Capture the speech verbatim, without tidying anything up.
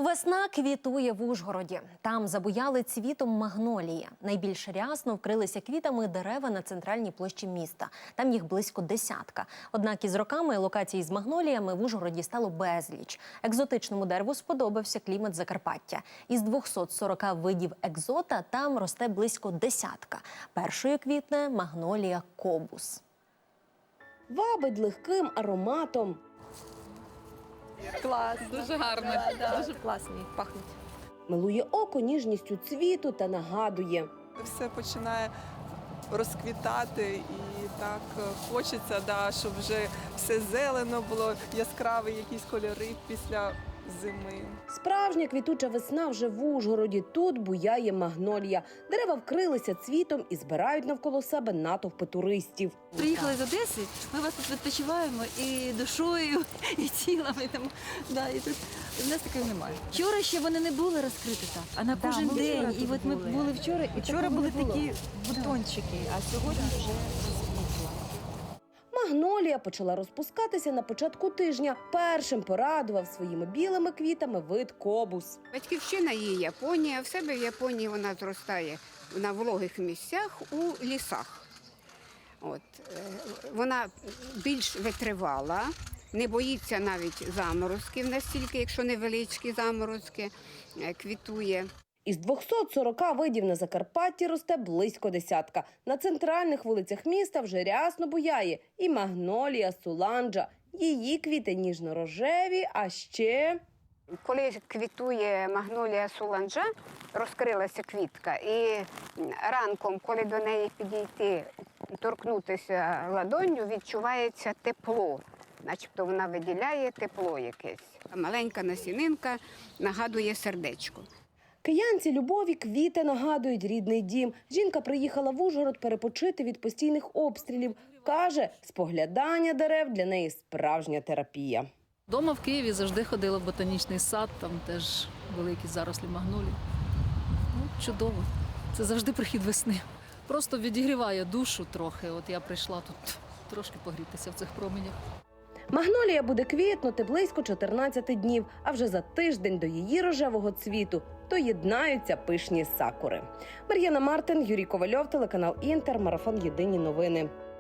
Весна квітує в Ужгороді. Там забуяли цвітом магнолії. Найбільш рясно вкрилися квітами дерева на центральній площі міста. Там їх близько десятка. Однак із роками локацій з магноліями в Ужгороді стало безліч. Екзотичному дереву сподобався клімат Закарпаття. Із двохсот сорока видів екзота там росте близько десятка. Першою квітне магнолія кобус. Вабить легким ароматом. Клас, дуже гарно, да, да. Дуже класні, пахнуть. Милує око ніжністю цвіту та нагадує. Все починає розквітати і так хочеться, да, щоб вже все зелено було, яскраві якісь кольори після зими. Справжня квітуча весна вже в Ужгороді. Тут буяє магнолія. Дерева вкрилися цвітом і збирають навколо себе натовпи туристів. Приїхали з Одеси, ми вас тут відпочиваємо і душою, і тілами. Там, да, і тут у нас такого немає. Вчора ще вони не були розкриті так, а на кожен ми день. вчора І тут от ми були. були вчора, і Вчора такого були не було. такі бутончики, а сьогодні вже розквітла. Магнолія почала розпускатися на початку тижня. Першим порадував своїми білими квітами вид кобус. Батьківщина її Японія. В себе в Японії вона зростає на вологих місцях у лісах. От. е, Вона більш витривала, не боїться навіть заморозків настільки, якщо невеличкі заморозки, е, квітує. Із двохсот сорока видів на Закарпатті росте близько десятка. На центральних вулицях міста вже рясно буяє і магнолія суланджа. Її квіти ніжно-рожеві, а ще... Коли квітує магнолія суланджа, розкрилася квітка, і ранком, коли до неї підійти, торкнутися ладонню, відчувається тепло. Начебто вона виділяє тепло якесь. Маленька насінинка нагадує сердечко. Киянці Любові квіти нагадують рідний дім. Жінка приїхала в Ужгород перепочити від постійних обстрілів. Каже, споглядання дерев для неї справжня терапія. Дома в Києві завжди ходила в ботанічний сад, там теж великі зарослі магнолій. Ну, чудово. Це завжди прихід весни. Просто відігріває душу трохи. От я прийшла тут трошки погрітися в цих променях. Магнолія буде квітнути близько чотирнадцяти днів, а вже за тиждень до її рожевого цвіту доєднаються пишні сакури. Мар'яна Мартин, Юрій Ковальов, телеканал Інтер, марафон «Єдині новини».